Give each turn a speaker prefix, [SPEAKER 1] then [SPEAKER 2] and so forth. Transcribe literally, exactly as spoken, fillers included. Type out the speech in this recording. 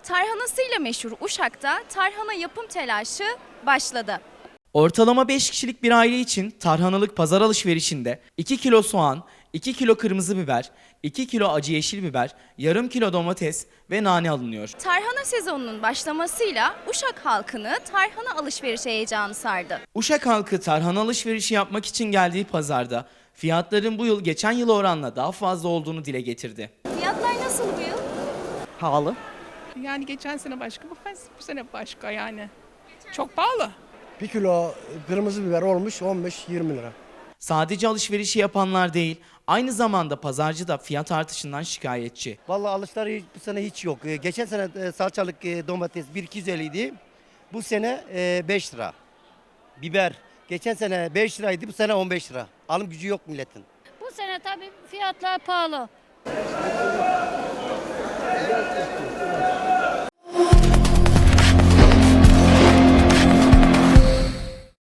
[SPEAKER 1] Tarhanasıyla meşhur Uşak'ta tarhana yapım telaşı başladı.
[SPEAKER 2] Ortalama beş kişilik bir aile için tarhanalık pazar alışverişinde iki kilo soğan, iki kilo kırmızı biber, iki kilo acı yeşil biber, yarım kilo domates ve nane alınıyor.
[SPEAKER 1] Tarhana sezonunun başlamasıyla Uşak halkını tarhana alışveriş heyecanı sardı.
[SPEAKER 2] Uşak halkı tarhana alışverişi yapmak için geldiği pazarda fiyatların bu yıl geçen yıl oranla daha fazla olduğunu dile getirdi.
[SPEAKER 1] Fiyatlar nasıl bu yıl?
[SPEAKER 3] Pahalı.
[SPEAKER 4] Yani geçen sene başka, bu, bu sene başka yani. Çok pahalı.
[SPEAKER 5] Bir kilo kırmızı biber olmuş on beş yirmi lira.
[SPEAKER 2] Sadece alışverişi yapanlar değil, aynı zamanda pazarcı da fiyat artışından şikayetçi.
[SPEAKER 6] Vallahi alışlar hiç- bu sene hiç yok. Ee, Geçen sene e, salçalık e, domates bir iki yüz elli idi. Bu sene e, beş lira. Biber geçen sene beş liraydı, bu sene on beş lira. Alım gücü yok milletin.
[SPEAKER 7] Bu sene tabii fiyatlar pahalı.